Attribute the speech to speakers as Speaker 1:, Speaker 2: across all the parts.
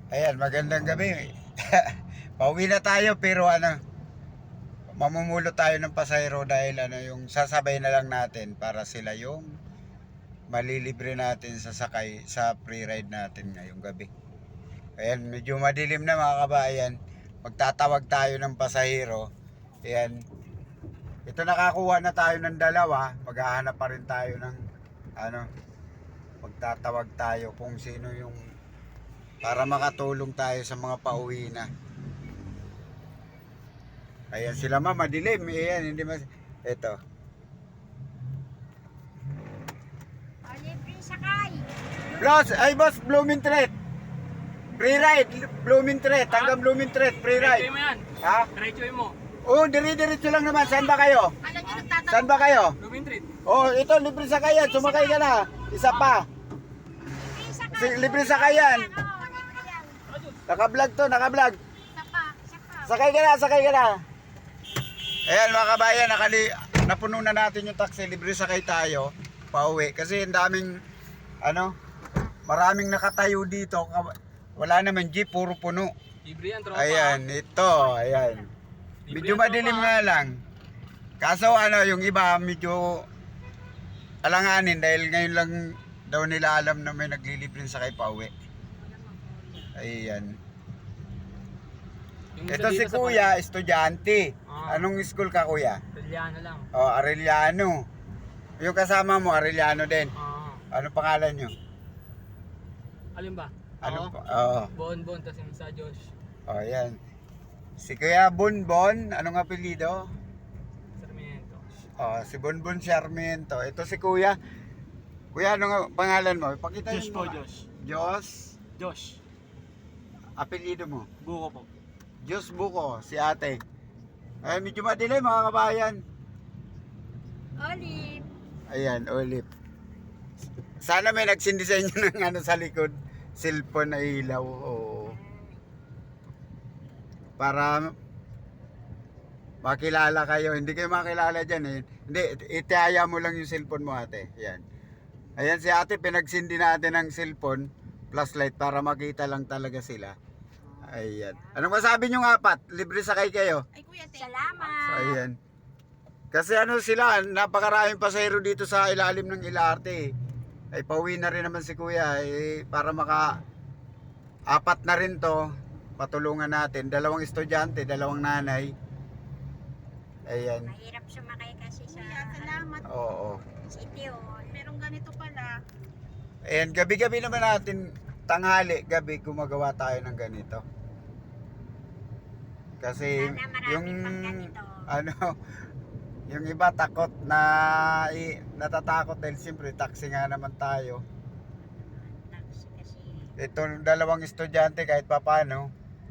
Speaker 1: Ayan, magandang gabi. Pauwi na tayo pero mamumulo tayo ng pasahero dahil yung sasabay na lang natin para sila yung malilibre natin sa sakay sa free ride natin ngayong gabi. Ayan, medyo madilim na mga kabayan. Magtatawag tayo ng pasahero. Ayan. Ito nakakuha na tayo ng dalawa. Maghahanap pa rin tayo ng magtatawag tayo kung sino yung para makatulong tayo sa mga pauwi na. Ayan sila madilim. Ayan, hindi mas... Ito.
Speaker 2: Libre sakay.
Speaker 1: Boss, Blooming Thread. Free ride, Blooming Thread. Hanggang Blooming Thread, free ride.
Speaker 3: Diretsuin mo yan.
Speaker 1: Ha?
Speaker 3: Diretsuin mo.
Speaker 1: Oo, diretso lang naman. Saan ba kayo?
Speaker 2: Alam niyo nagtatanong.
Speaker 1: Saan ba kayo?
Speaker 3: Blooming Treat.
Speaker 1: Oh, ito, libre sakayan. Sumakay ka na. Isa pa.
Speaker 2: Libre sakay.
Speaker 1: Libre sakayan.
Speaker 2: Oo, libre yan.
Speaker 1: Naka-vlog to, naka-vlog.
Speaker 2: Isa pa.
Speaker 1: Sakay ka na, sakay ka na. Ayan mga kabayan, napuno na natin yung taxi. Libre sakay tayo. Pauwi. Kasi ang daming, maraming nakatayo dito. Wala naman jeep, puro puno.
Speaker 3: Libre yan, tropa.
Speaker 1: Ayan, ito, ayan.
Speaker 3: Libre
Speaker 1: Medyo
Speaker 3: yan,
Speaker 1: madilim
Speaker 3: tropa.
Speaker 1: nga lang. Kaso yung iba medyo alanganin dahil ngayon lang daw nila alam na may naglilibre sakay pauwi. Ayan.
Speaker 3: Yung
Speaker 1: Ito
Speaker 3: isa
Speaker 1: si
Speaker 3: dito sa
Speaker 1: Kuya, estudyante.
Speaker 3: Ah.
Speaker 1: Anong school ka, Kuya?
Speaker 3: Italiano lang.
Speaker 1: Oh, Arellano. Yung kasama mo, Arellano din. Ano pangalan nyo?
Speaker 3: Alin ba?
Speaker 1: Ano
Speaker 3: Ako?
Speaker 1: pa? Oo.
Speaker 3: Bon, tas yung sa Josh.
Speaker 1: Oh, yan. Si Kuya Bonbon, anong apelyido?
Speaker 3: Sarmiento.
Speaker 1: Oh, si Bonbon Sarmiento. Ito si Kuya. Kuya, ano nga pangalan mo? Pakita
Speaker 3: Josh
Speaker 1: mo.
Speaker 3: po, Josh.
Speaker 1: Diyos.
Speaker 3: Josh.
Speaker 1: Apelyido mo?
Speaker 3: Buko po.
Speaker 1: Diyos Buko, si ate. Ay, medyo madilim mga kabayan.
Speaker 2: Olive.
Speaker 1: Ayan, Olive. Sana may nagsindi sa inyo ng sa likod. Cellphone na ilaw. Oo. Para makilala kayo. Hindi kayo makilala dyan eh. Hindi, itihaya mo lang yung cellphone mo ate. Ayan. Ayan si ate, pinagsindi natin ng cellphone. Flashlight para makita lang talaga sila. Ayan. Anong masabi nyo apat? Libre sakay kayo.
Speaker 2: Ay, kuya, salamat.
Speaker 1: So, ayan. Kasi sila, napakaraming pasahero dito sa ilalim ng LRT. Ay pauwi na rin naman si Kuya para apat na rin to. Patulungan natin. Dalawang estudyante, dalawang nanay. Ayan.
Speaker 2: Mahirap sumakay kasi sa... Kuya, salamat.
Speaker 1: Oo.
Speaker 2: City Hall. Merong ganito pala.
Speaker 1: Ayan, gabi-gabi naman natin, tanghali, gabi, gumagawa tayo ng ganito. Kasi
Speaker 2: Sana marami
Speaker 1: yung
Speaker 2: pang ganito.
Speaker 1: yung iba takot na natatakot dahil siyempre taxi nga naman tayo.
Speaker 2: Taxi kasi.
Speaker 1: Ito dalawang estudyante kahit papano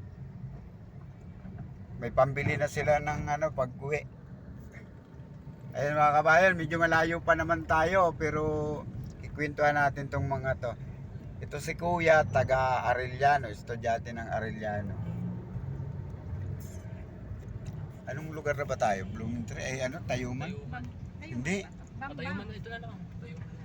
Speaker 1: may pambili na sila ng pag-uwi. Ayun mga kabayan, medyo malayo pa naman tayo pero ikwentuhan natin tong mga to. Ito si Kuya, taga Arellano, estudyante ng Arellano. Anong lugar na ba tayo? Blooming Tree? Tayuman?
Speaker 3: Tayuman.
Speaker 1: Hindi.
Speaker 3: Patayuman na ito na lang. Patayuman na.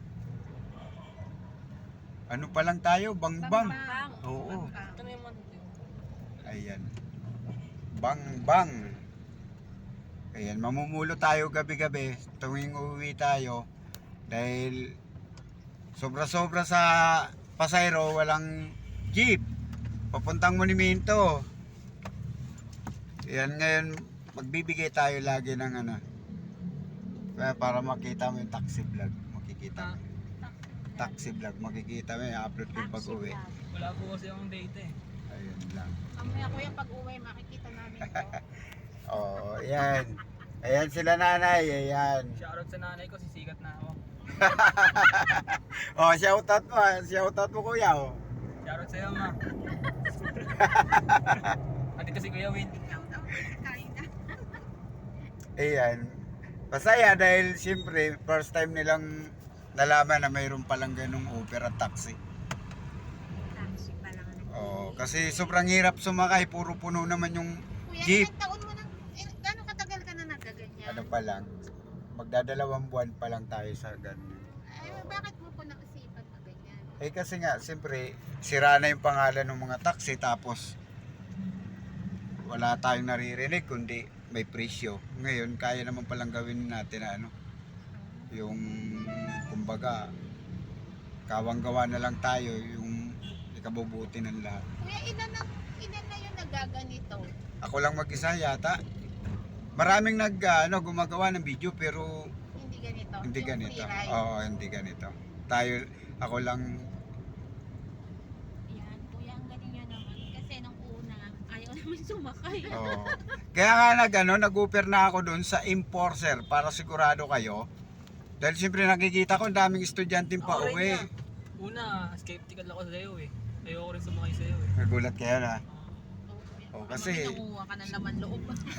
Speaker 1: Ano pa lang tayo? Bangbang.
Speaker 2: Bang.
Speaker 1: Oo.
Speaker 3: Ito na yung man.
Speaker 1: Ayan. Bangbang. Ayan, mamumulo tayo gabi-gabi tuwing uuwi tayo dahil sobra-sobra sa pasahero, walang jeep papuntang monumento. Ayan, ngayon magbibigay tayo lagi ng para makita mo yung taxi vlog, makikita mo. Taxi vlog, makikita mo yung upload ko yung pag-uwi.
Speaker 3: Wala po kasi akong date eh.
Speaker 1: Ayun lang.
Speaker 2: Mamaya kuya pag-uwi makikita namin to.
Speaker 1: Oo, ayan. Ayan sila nanay, ayan.
Speaker 3: Shoutout sa nanay ko, sisikat na ako.
Speaker 1: Oh, shoutout mo kuya, oh.
Speaker 3: Shoutout sa'yo, ma. Andito si Kuya Will.
Speaker 1: Ayan. Masaya dahil siyempre first time nilang nalaman na mayroon palang ganung Uber at taxi.
Speaker 2: Taxi pa lang.
Speaker 1: Oh, kasi sobrang hirap sumakay, puro puno naman yung
Speaker 2: Kuya,
Speaker 1: jeep.
Speaker 2: ilang taon mo nang... Gano'ng katagal ka na nagaganyan?
Speaker 1: Ano pa lang, magdadalawang buwan pa lang tayo sa ganun.
Speaker 2: Ay, bakit mo po naisipan na ganyan?
Speaker 1: Eh kasi nga, siyempre, sira na yung pangalan ng mga taxi tapos wala tayong naririnig kundi may presyo. Ngayon, kaya naman palang gawin natin na ano, yung kumbaga, kawang-gawa na lang tayo yung ikabubuti ng lahat.
Speaker 2: Kuya, ilan na yung nagaganito?
Speaker 1: Ako lang mag-isa yata. Maraming gumagawa ng video pero
Speaker 2: Hindi ganito?
Speaker 1: hindi
Speaker 2: Yung
Speaker 1: ganito.
Speaker 2: free ride?
Speaker 1: Oo, hindi ganito. Ako lang.
Speaker 2: Yan, kuya, ang galing niya naman. Kasi nung una, ayaw naman sumakay.
Speaker 1: Oo. Kaya nga nag-offer na ako doon sa enforcer para sigurado kayo. Dahil siyempre nakikita ko ang daming estudyante pa
Speaker 3: Ako rin
Speaker 1: uwi.
Speaker 3: nga. Una, skeptical ako sa'yo eh. Ayoko rin sumakay sa'yo eh.
Speaker 1: Nagulat kayo na.
Speaker 2: Oo,
Speaker 1: Oh, kasi
Speaker 2: nangunguha ka ng laman loob.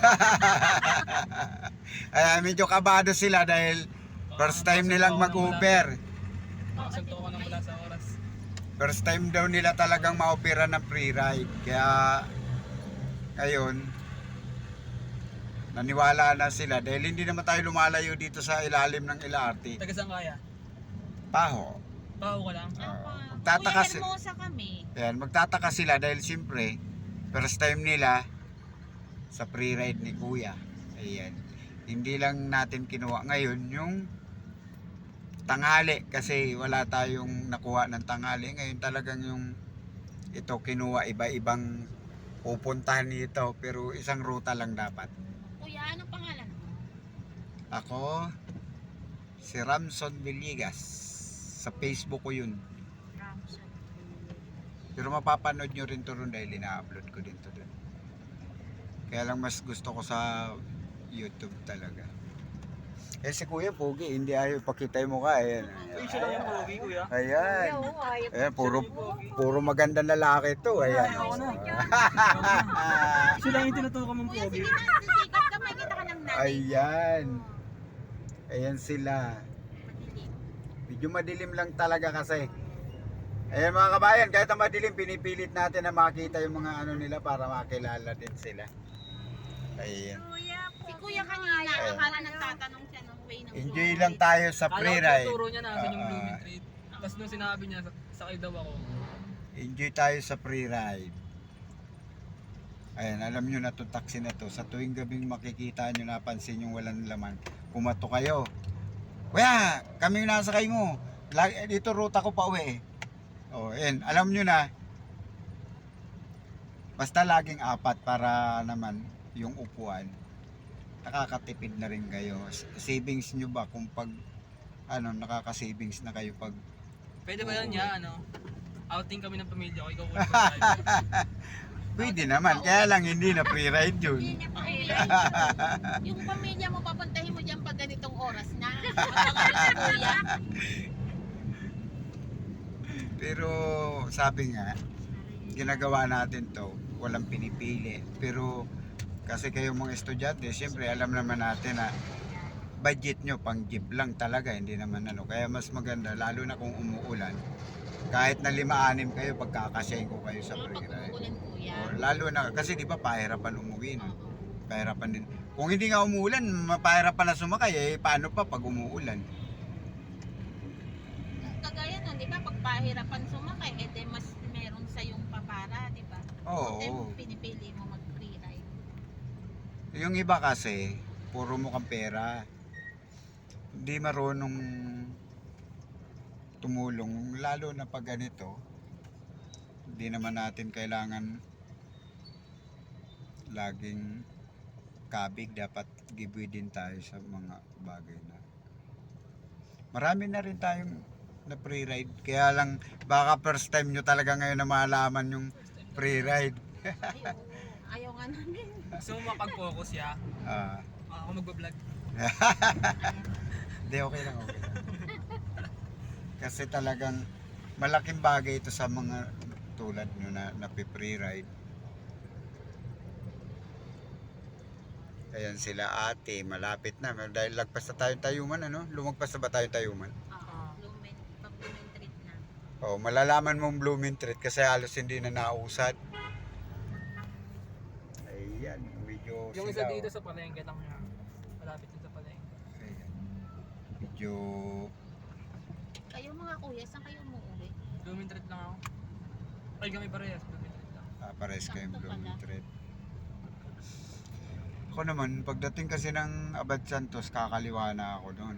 Speaker 1: ay medyo kabado sila dahil first time nilang mag-Uber.
Speaker 3: Nakasagto ko nang wala sa oras.
Speaker 1: First time daw nila talagang ma-opera ng free ride. Kaya ngayon naniwala na sila dahil hindi naman tayo lumalayo dito sa ilalim ng LRT.
Speaker 3: Taga saan kaya?
Speaker 1: Paho.
Speaker 3: Pao ka lang.
Speaker 1: Magtataka
Speaker 2: Kuya, hermosa kami.
Speaker 1: Yan, magtataka sila dahil siyempre first time nila sa free ride ni Kuya. Ayan. Hindi lang natin kinuha ngayon yung tanghali kasi wala tayong nakuha ng tanghali. Ngayon talagang yung ito kinuha iba-ibang pupuntahan nito pero isang ruta lang dapat.
Speaker 2: Kuya, anong pangalan mo?
Speaker 1: Ako si Ramson Villegas. Sa Facebook ko yun.
Speaker 2: Ramson.
Speaker 1: Pero mapapanood nyo rin to ron dahil ina-upload ko din to dun. Kaya lang mas gusto ko sa YouTube talaga. Eh si Kuya Pogi, hindi ayaw pakita yung mukha. Ayan.
Speaker 3: Uy, siya lang yung pogi, kuya.
Speaker 1: Ayan.
Speaker 2: ayaw.
Speaker 1: Ayan, puro magandang lalaki to. Ayan.
Speaker 3: Ako na. Siya lang yung tinutukan mong
Speaker 2: Kuya,
Speaker 3: pogi.
Speaker 2: sige na, sisikat ka, makikita ka ng nanay.
Speaker 1: Ayan. Ayan sila.
Speaker 2: Madilim.
Speaker 1: Medyo madilim lang talaga kasi. Ayan mga kabayan, kahit ang madilim, pinipilit natin na makita yung mga ano nila para makilala din sila. Ayan.
Speaker 2: Si kuya kanina, akala nagtatanong siya ng way ng
Speaker 1: Enjoy
Speaker 2: Blue
Speaker 1: lang
Speaker 2: Light.
Speaker 1: tayo sa
Speaker 3: Kala
Speaker 1: free
Speaker 3: ko
Speaker 1: ride.
Speaker 3: tinuturo niya nasan yung Blooming Treat. Tapos nung sinabi niya, sakay daw ako.
Speaker 1: Enjoy tayo sa free ride. Ayan, alam nyo na itong taxi na to. Sa tuwing gabing makikita nyo, napansin yung walang laman, kumato kayo. Kuya, kami yung nasakay mo. Dito ruta ko pa uwi. O, ayan, alam nyo na. Basta laging apat para naman yung upuan. Nakakatipid na rin kayo. Savings nyo ba kung pag nakaka-savings na kayo pag
Speaker 3: Pwede ba yan niya, outing kami ng pamilya ko, ikaw ulit sa
Speaker 1: pwede naman, kaya lang hindi na free ride yun.
Speaker 2: Hindi niya pa uwi. Yung pamilya mo, papuntahin mo dyan pag ganitong oras na. Abangan si kuya.
Speaker 1: Pero sabi nga, ginagawa natin to, walang pinipili. Pero kasi kayong mga estudyante, siyempre alam naman natin na budget nyo pang jeep lang talaga, hindi naman Kaya mas maganda, lalo na kung umuulan, kahit na 5-6 kayo, pagkakasyahin ko kayo sa
Speaker 2: Pag
Speaker 1: free ride.
Speaker 2: umuulan kuya.
Speaker 1: Lalo na, kasi di ba pahirapan umuwi no?
Speaker 2: Oo.
Speaker 1: Pahirapan din. Kung hindi nga umuulan, mapahirapan na sumakay, paano pa pag umuulan?
Speaker 2: Kagaya nun, di ba, pag pahirapan sumakay, mas meron sa yung papara, di ba?
Speaker 1: Oo.
Speaker 2: Pinipili mo mag-free ride.
Speaker 1: Yung iba kasi, puro mukhang pera. Hindi marunong tumulong, lalo na pag ganito. Hindi naman natin kailangan laging kabig, dapat giveaway din tayo sa mga bagay na. Marami na rin tayong na free ride, kaya lang baka first time nyo talaga ngayon na malaman yung free ride.
Speaker 2: Ayaw nga namin.
Speaker 3: Gusto mo makapag-focus ya?
Speaker 1: Ah,
Speaker 3: Ako magbablog.
Speaker 1: Hindi, okay lang. Kasi talagang malaking bagay ito sa mga tulad nyo na free ride. Ayan sila ate, malapit na. Dahil lagpas na tayong Tayuman, Lumagpas na ba tayong Tayuman?
Speaker 2: Oo, pag-blooming treat na.
Speaker 1: Oh, malalaman mong blooming treat kasi halos hindi na nausad. Ayan, medyo
Speaker 3: Yung
Speaker 1: sila,
Speaker 3: isa dito sa palengke lang niya. Malapit din sa palengke.
Speaker 1: Ayan. Medyo
Speaker 2: Kayo mga kuya, saan kayo umuwi?
Speaker 3: Blooming treat lang ako. Ay, kami parehas. Blooming treat lang.
Speaker 1: Pares kayong
Speaker 2: Sakto
Speaker 1: blooming
Speaker 2: pala.
Speaker 1: thread. Ako naman, pagdating kasi ng Abad Santos, kakaliwa na ako doon.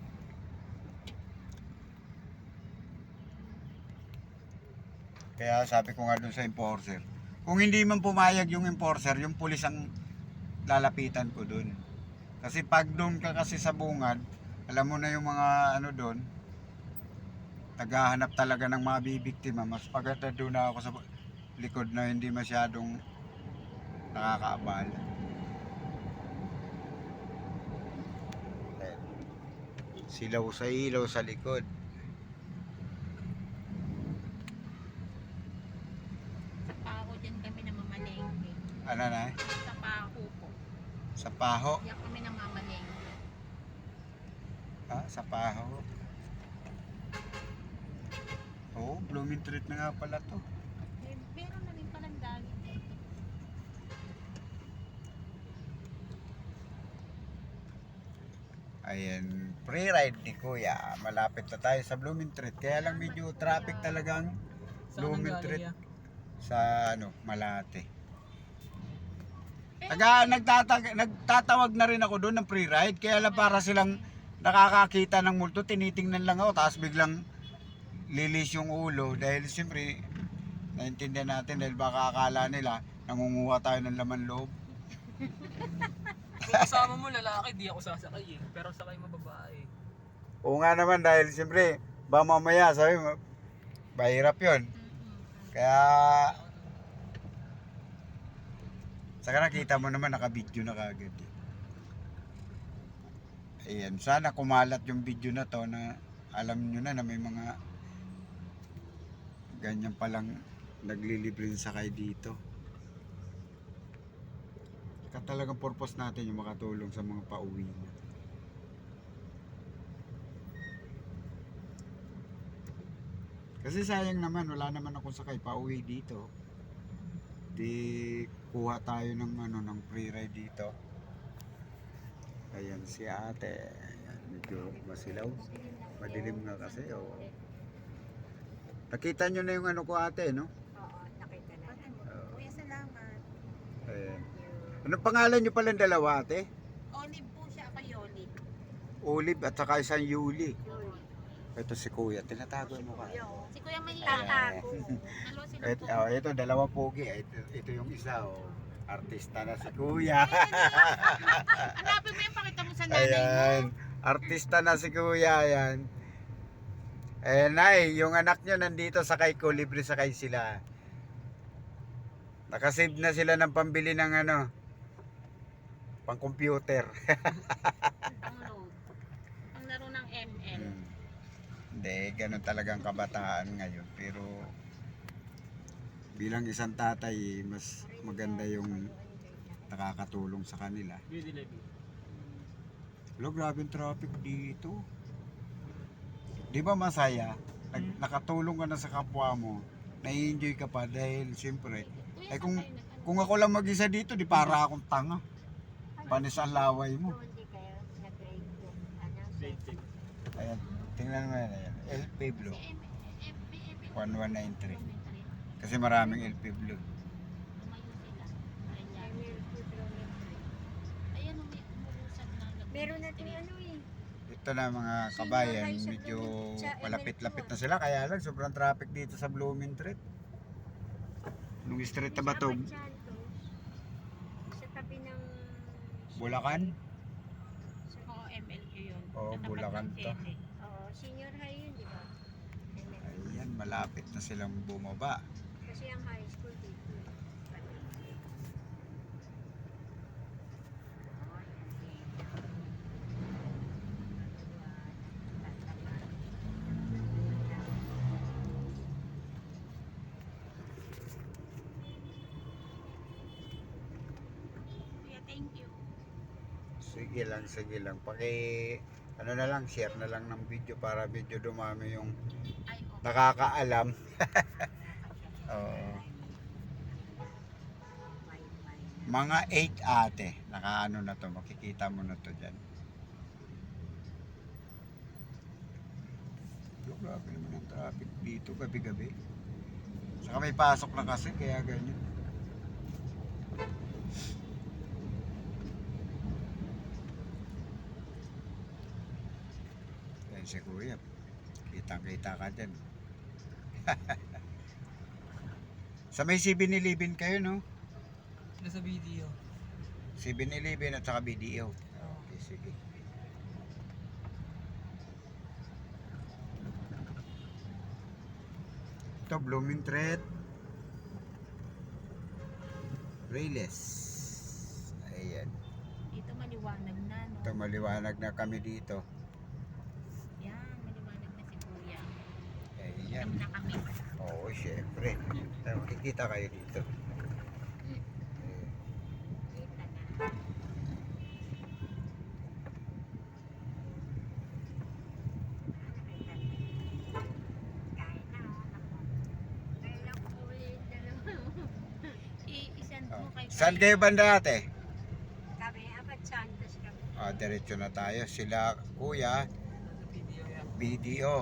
Speaker 1: Kaya sabi ko nga doon sa enforcer, kung hindi man pumayag yung enforcer, yung pulis ang lalapitan ko doon. Kasi pag doon ka kasi sa bungad, alam mo na yung mga ano doon, naghahanap talaga ng mga bibiktima. Mas paganda doon na ako sa likod na hindi masyadong nakakaabala. Ayan. Silaw sa ilaw sa likod.
Speaker 2: Sa Paho dyan kami namamalengke.
Speaker 1: Ano na?
Speaker 2: Sa Paho po.
Speaker 1: Sa Paho.
Speaker 2: Diyan kami namamalengke.
Speaker 1: Sa Paho. Oo, blooming treat na nga pala to.
Speaker 2: Eh, meron na rin palang dahil dito.
Speaker 1: Ayan, pre-ride ni Kuya. Malapit na tayo sa blooming treat. Kaya lang medyo traffic talagang
Speaker 3: Saan
Speaker 1: blooming
Speaker 3: ang
Speaker 1: treat
Speaker 3: galing ya?
Speaker 1: sa Malate.
Speaker 2: Eh,
Speaker 1: Nagtatawag na rin ako doon ng pre-ride. Kaya lang para silang nakakakita ng multo, tinitingnan lang ako. Tapos biglang lilis yung ulo. Dahil siyempre, naintindihan natin dahil baka akala nila nangunguha tayo ng laman loob.
Speaker 3: Kung kasama mo lalaki, di ako sasakay eh. Pero sakay mo babae.
Speaker 1: Oo nga naman dahil siyempre, ba mamaya sabi mo, mahirap yun. Kaya, saka nakita mo naman naka-video na kagad eh. Ayan, sana kumalat yung video na to na alam nyo na may mga ganyan palang naglilibreng sakay dito. Saka talagang purpose natin yung makatulong sa mga pauwi na. Kasi sayang naman, wala naman akong sakay pauwi dito. Di kuha tayo ng ng free ride dito. Ayan si ate. Ayan, medyo masilaw. Madilim nga kasi. Oh. Nakita nyo na yung ko ate, no?
Speaker 2: Oo, nakita na. Kuya, salamat.
Speaker 1: Ayan. Anong pangalan nyo palang dalawa ate?
Speaker 2: Olive po siya, ako Yoli.
Speaker 1: Olive at saka isang Yuli. Ito si Kuya, tinatago mo ka.
Speaker 2: Si Kuya may
Speaker 1: Ayan.
Speaker 2: tatago. Dalo sila po.
Speaker 1: Ito, dalawa pogi. Ito yung isa, oh. Artista na si Kuya.
Speaker 2: Hanapin mo yung pakita mo sa nanay mo.
Speaker 1: Ayan. Artista na si Kuya, ayan. Eh, Nay, yung anak nyo nandito sakay ko, libre sakay sila. Nakasave na sila ng pambili ng pang computer.
Speaker 2: Download. Ang laro ng ML.
Speaker 1: Hindi, ganun talagang kabataan ngayon. Pero bilang isang tatay, mas maganda yung nakakatulong sa kanila.
Speaker 3: Beauty levy.
Speaker 1: Hello, grabe yung traffic dito. Di ba masaya? Nakatulong ka na sa kapwa mo, nai-enjoy ka pa dahil siyempre,
Speaker 2: Kuya,
Speaker 1: kung,
Speaker 2: saan kayo nag-ano?
Speaker 1: kung ako lang mag-isa dito, di para akong tanga. Panis ang laway mo.
Speaker 3: Grade 10.
Speaker 1: Ayan, tingnan mo yan. Ayan. LP Blue,
Speaker 2: Si MP,
Speaker 1: 1193. Kasi maraming LP Blue.
Speaker 2: Lumayo sila. Ayan, may umuusad na.
Speaker 4: Meron natin eh.
Speaker 1: Ito na mga kabayan, medyo malapit-lapit na sila. Kaya lang, sobrang traffic dito sa Blooming Treat. Nung street na ba to?
Speaker 4: Sa tabi ng...
Speaker 1: Bulacan?
Speaker 2: Oo, MLQ yun.
Speaker 1: Oo,
Speaker 2: Sa tapat
Speaker 1: Bulacan
Speaker 2: ng
Speaker 1: to.
Speaker 2: Sete.
Speaker 4: Oo, senior high yun, di ba?
Speaker 1: Ayan, malapit na silang bumaba.
Speaker 4: Kasi ang high school dito.
Speaker 2: Kuya, thank you.
Speaker 1: Sige lang. Ano na lang, share na lang ng video para medyo dumami yung
Speaker 2: Ay, okay.
Speaker 1: nakakaalam. Oo. Mga 8 ate, nakaano na to, makikita mo na to dyan. grabe naman ang traffic dito gabi-gabi. Saka may pasok na kasi kaya ganyan. Yan si Kuya. Kitang-kita ka dyan. Sa may 7-Eleven kayo, no?
Speaker 3: Sila sa video.
Speaker 1: 7-Eleven at saka BDO. Okay, sige. Ito, Blooming Thread. Rayless. Ayan.
Speaker 2: Dito maliwanag na, no?
Speaker 1: Ito, maliwanag na kami dito.
Speaker 2: Yan, maliwanag na si Kuya.
Speaker 1: Ayan.
Speaker 2: Alam na kami.
Speaker 1: Oo, syempre. Makikita kayo dito.
Speaker 4: Kita na. Kaya na, Kailang ulit na naman.
Speaker 2: I-send
Speaker 1: Oh.
Speaker 2: mo kay
Speaker 1: Saan kayo banda ate?
Speaker 4: Kami, apat Santos kami.
Speaker 1: Diretso na tayo. Sila Kuya,
Speaker 3: Sa video yan.
Speaker 1: BDO.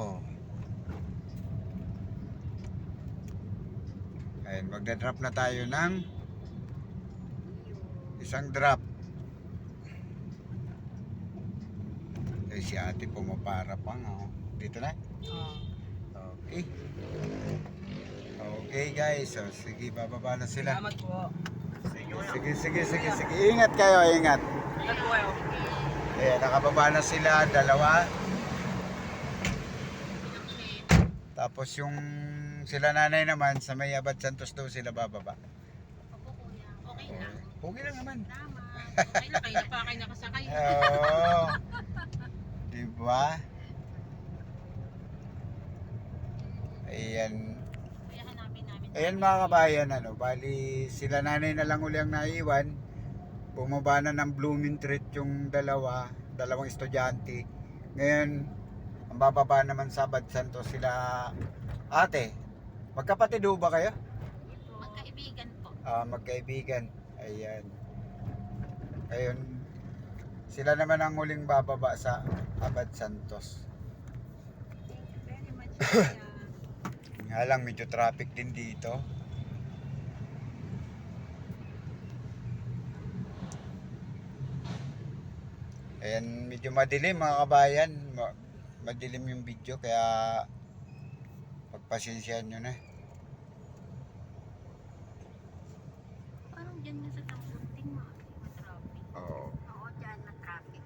Speaker 1: Ayan, magdadrop na tayo ng isang drop. Eh, si ate pumapara pa nga. Oh. Dito na? Okay. Okay guys, so, sige, bababa na sila.
Speaker 3: Salamat po.
Speaker 1: Sige. Ingat kayo, ingat.
Speaker 3: Ingat po kayo.
Speaker 1: Ayan, nakababa na sila, dalawa. Tapos yung sila nanay naman, sa may Abad Santos daw sila bababa.
Speaker 2: Opo, Kuya. Okay lang.
Speaker 1: Okay lang naman.
Speaker 2: Tama. Okay lang, kayo na pa kayo nakasakay.
Speaker 1: Oo. Diba? Ayan.
Speaker 2: Kaya hanapin namin.
Speaker 1: Ayan mga kabayan, ano, bali sila nanay na lang uli ang naiwan. Bumaba na ng Blooming Treat yung dalawang estudyante. Ngayon, ang bababa naman sa Abad Santos sila ate. Magkapatid ho ba kayo?
Speaker 2: Magkaibigan po.
Speaker 1: Magkaibigan. Ayan. Ayun. Sila naman ang huling bababa sa Abad Santos.
Speaker 4: Thank you very much, Kuya.
Speaker 1: Nga lang, medyo traffic din dito. Ayan, medyo madilim mga kabayan. Madilim yung video kaya pagpasensyahan nyo na.
Speaker 2: Parang dyan nga sa Tampunting, matraffic.
Speaker 1: Oo.
Speaker 4: Oo, dyan na-traffic.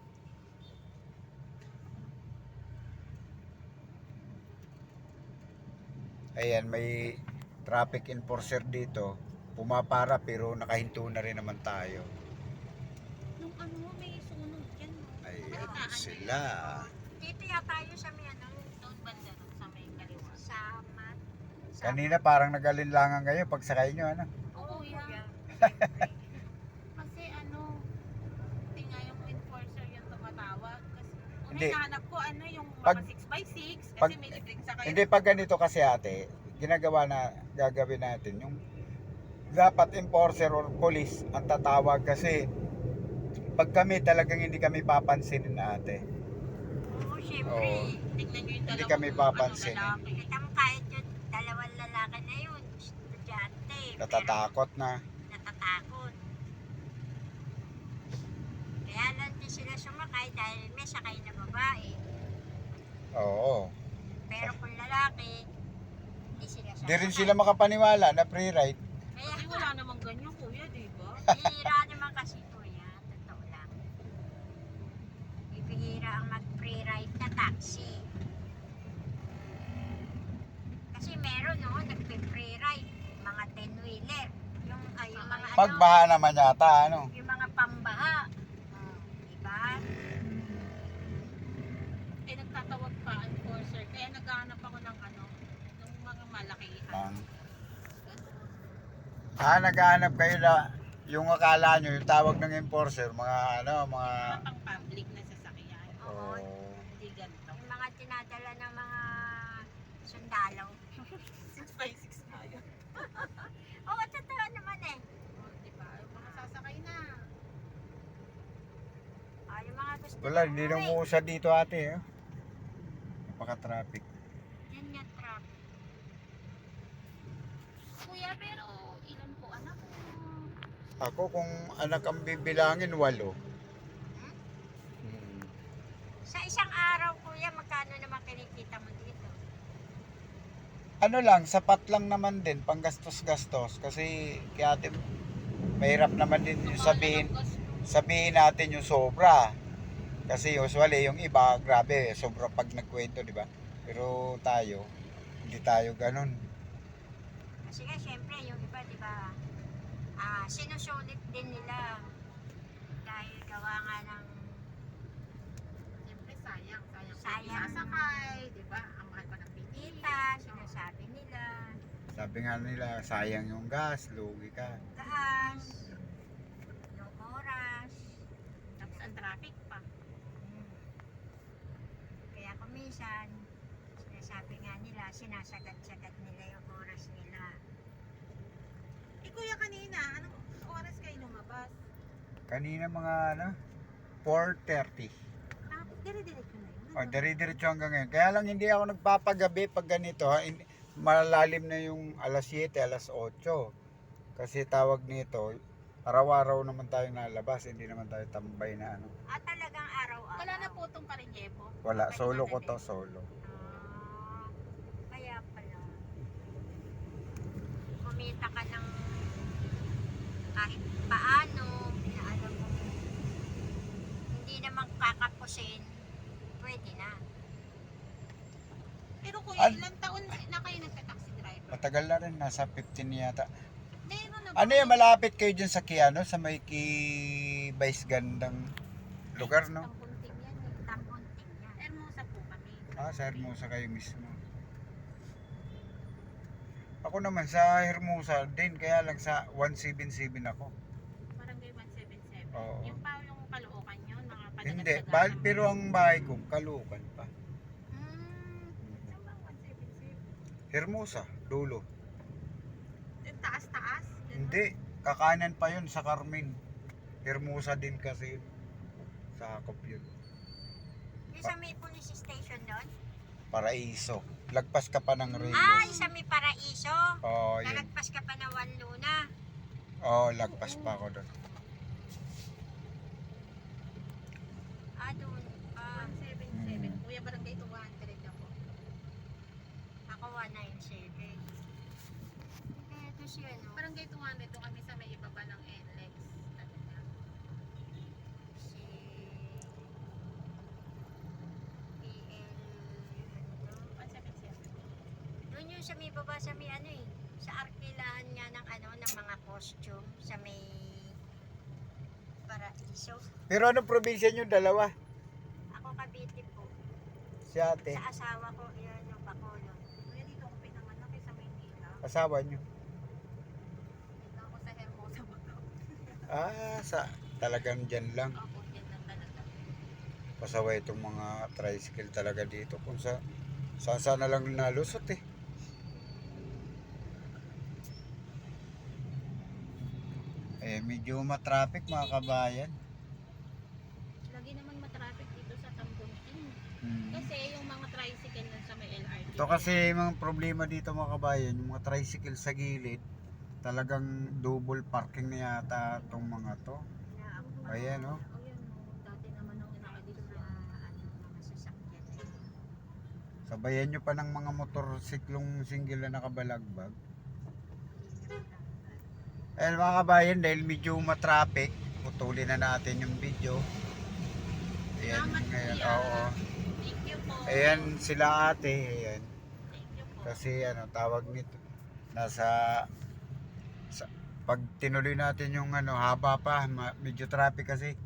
Speaker 1: Ayan, may traffic enforcer dito. Pumapara pero nakahinto na rin naman tayo.
Speaker 2: Nung ano, may sunog dyan. No?
Speaker 1: Ayan sila.
Speaker 4: Dito yata yun sa may ano,
Speaker 2: Doon banda, sa may kaliwa.
Speaker 4: sa mat.
Speaker 1: Kanina parang nag-alinlangan kayo pag sakay nyo, ano?
Speaker 2: Oo, Kuya. Kasi ano, hindi nga yung enforcer yung tumatawag. Kasi
Speaker 1: Hindi.
Speaker 2: hinahanap ko ano yung
Speaker 1: Pag-
Speaker 2: mga 6x6 kasi
Speaker 1: pag-
Speaker 2: may libreng sakay.
Speaker 1: Hindi, pag ganito kasi ate, gagawin natin yung dapat enforcer or police ang tatawag kasi pag kami talagang hindi kami papansinin ate.
Speaker 4: Oo, syempre.
Speaker 1: Oo.
Speaker 2: Tignan nyo yung
Speaker 1: Hindi
Speaker 2: dalawang
Speaker 1: kami papansin.
Speaker 2: lalaki.
Speaker 4: Kita mo kahit yung dalawang lalaki na yun, estudyante.
Speaker 1: Natatakot na.
Speaker 4: Natatakot. Kaya lang din sila sumakay dahil may sakay na babae.
Speaker 1: Oo.
Speaker 4: Pero kung lalaki, hindi sila sumakay.
Speaker 1: Di rin sila makapaniwala na free ride.
Speaker 4: Kaya
Speaker 2: Kasi wala namang ganyan, Kuya, di ba?
Speaker 4: bihira naman kasi kuya, totoo lang. Bihira ang mag-free ride na taxi. Kasi meron no, nagpe-free ride, mga 10-wheeler. Yung mga
Speaker 1: Pagbaha naman yata, ano?
Speaker 4: yung mga pambaha. Diba?
Speaker 2: Eh, nagtatawag pa, enforcer. Kaya naghahanap ako ng ano, ng mga malakihan.
Speaker 1: Naghahanap kayo na yung akala nyo, yung tawag ng enforcer, mga ano, mga...
Speaker 2: Mga pang-public na sasakyan.
Speaker 4: Oo.
Speaker 2: Hindi ganito.
Speaker 4: Yung mga tinadala ng mga sundalo.
Speaker 2: 6x6 na yun.
Speaker 4: Oo, totoo naman eh.
Speaker 2: Oh, di ba? Yung mga sasakay na.
Speaker 4: Yung mga gusto
Speaker 1: Wala,
Speaker 4: na
Speaker 1: hindi
Speaker 4: umuwi.
Speaker 1: na umuusad dito ate. Eh. Napaka-traffic. Ako kung anak ang bibilangin, 8.
Speaker 4: Sa isang araw, kuya, magkano naman kinikita mo dito?
Speaker 1: Ano lang, sapat lang naman din, panggastos-gastos. Kasi kaya ate, mahirap naman din yung sabihin natin yung sobra. Kasi usually yung iba, grabe, sobra pag nagkwento, di ba? Pero tayo, hindi tayo ganun.
Speaker 4: Kasi nga, syempre, yung iba, di ba, sinusulit din nila. Dahil gawa nga ng
Speaker 2: Siyempre sayang.
Speaker 4: Sayang.
Speaker 2: Sasakay, di ba? Ang mahal pa ng bilis.
Speaker 4: kita, sinasabi nila,
Speaker 1: Sabi nga nila, sayang yung gas, lugi ka.
Speaker 4: gas, yung oras.
Speaker 2: Tapos ang traffic pa.
Speaker 4: Kaya kuminsan, sinasabi nga nila, sinasagat-sagat nila yung oras nila.
Speaker 2: Eh kuya kanina, anong oras kayo lumabas?
Speaker 1: Kanina mga 4:30.
Speaker 2: Tapos dire-diretso na yun.
Speaker 1: O, dire-diretso hanggang ngayon. Kaya lang hindi ako nagpapagabi pag ganito. Malalim na yung alas 7, alas 8. Kasi tawag nito, araw-araw naman tayo nalabas. Hindi naman tayo tambay na ano.
Speaker 4: At talagang araw-araw.
Speaker 2: Wala na po itong Parinjepo.
Speaker 1: Wala, solo ko to, solo.
Speaker 4: Ah, kaya pala. Kumita ka ng kahit paano, na alam mo, hindi naman kakapusin, pwede na.
Speaker 2: Pero kuya,
Speaker 1: An-
Speaker 2: ilang taon na kayo nagka-taxi driver?
Speaker 1: Matagal na rin, nasa 15 yata.
Speaker 2: Meron na ba?
Speaker 1: Ano yung malapit kayo dyan sa Kiano? Sa may Vice gandang lugar, no?
Speaker 2: Tampunting yan eh.
Speaker 4: Tambunting yan.
Speaker 2: Hermosa po kami.
Speaker 1: Sa Hermosa kayo mismo. Ako naman sa Hermosa din, kaya lang sa 177 ako.
Speaker 2: Barangay 177.
Speaker 1: Oo.
Speaker 2: Yung pa yung Caloocan yun, mga
Speaker 1: Hindi,
Speaker 2: padagadagan.
Speaker 1: pero ang bahay ko, Caloocan pa.
Speaker 2: Saan ba ang 177?
Speaker 1: Hermosa, dulo.
Speaker 2: Yung taas-taas? Ganun?
Speaker 1: Hindi, kakanan pa yun sa Carmen. Hermosa din kasi yun. Sakop yun.
Speaker 4: Yung sa may police station doon?
Speaker 1: Paraiso. Lagpas ka pa ng
Speaker 4: Ah,
Speaker 1: Reyes.
Speaker 4: yung sa may paraiso.
Speaker 1: Oo, yun.
Speaker 4: Nalagpas ka pa ng Wanluna.
Speaker 1: Oo, lagpas pa ako doon.
Speaker 4: Ah, doon.
Speaker 2: 177. Kuya, barangay 200 ako.
Speaker 4: Ako 197. Kaya ito siya, no?
Speaker 2: Barangay 200 doon kami sa may ibaba ng NLEX. Ano na?
Speaker 4: Si PL, ano to?
Speaker 2: 177.
Speaker 4: Doon yung sa may baba sa may ano eh. Sa arkilahan nga ng ano, ng mga costume. Sa may paraiso.
Speaker 1: Pero anong probinsya nyo, dalawa?
Speaker 4: Ako Cavite po.
Speaker 1: Si ate,
Speaker 4: Sa asawa ko, yun yung Bacolod.
Speaker 2: Kuya, dito ako pinanganak sa Maynila.
Speaker 1: asawa nyo.
Speaker 2: Dito ako sa Hermosa Bacaw.
Speaker 1: Talagang dyan lang.
Speaker 2: Opo, yan lang talaga.
Speaker 1: Pasaway itong mga tricycle talaga dito. Kung saan na lang nalusot eh. Medyo matraffic mga kabayan.
Speaker 2: Lagi naman matraffic dito sa Tambunting.
Speaker 1: Hmm.
Speaker 2: Kasi yung mga tricycle nun sa may LRT.
Speaker 1: Ito kasi mga problema dito mga kabayan, yung mga tricycle sa gilid, talagang double parking na yata itong mga to.
Speaker 4: Na ako
Speaker 1: Ayan oh.
Speaker 2: O yan o, dati naman nung inakadito
Speaker 4: sa
Speaker 2: na.
Speaker 4: ano, mga sasakyan.
Speaker 1: Sabayan nyo pa ng mga motorsiklong single na nakabalagbag. Ayan mga kabayan, dahil medyo matraffic, putulin na natin yung video. Ayan,
Speaker 2: Salamat,
Speaker 1: ngayon,
Speaker 2: kuya.
Speaker 1: oo.
Speaker 2: Thank you po.
Speaker 1: Ayan sila ate, ayan.
Speaker 2: Thank you po.
Speaker 1: Kasi tawag nito, pag tinuloy natin yung haba pa, medyo traffic kasi.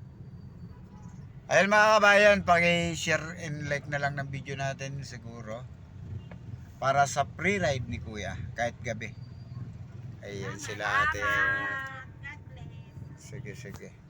Speaker 1: Ayan mga kabayan, paki-share and like na lang ng video natin siguro. Para sa pre-ride ni Kuya, kahit gabi. Ayan sila ate.
Speaker 2: God bless.
Speaker 1: Sige, sige.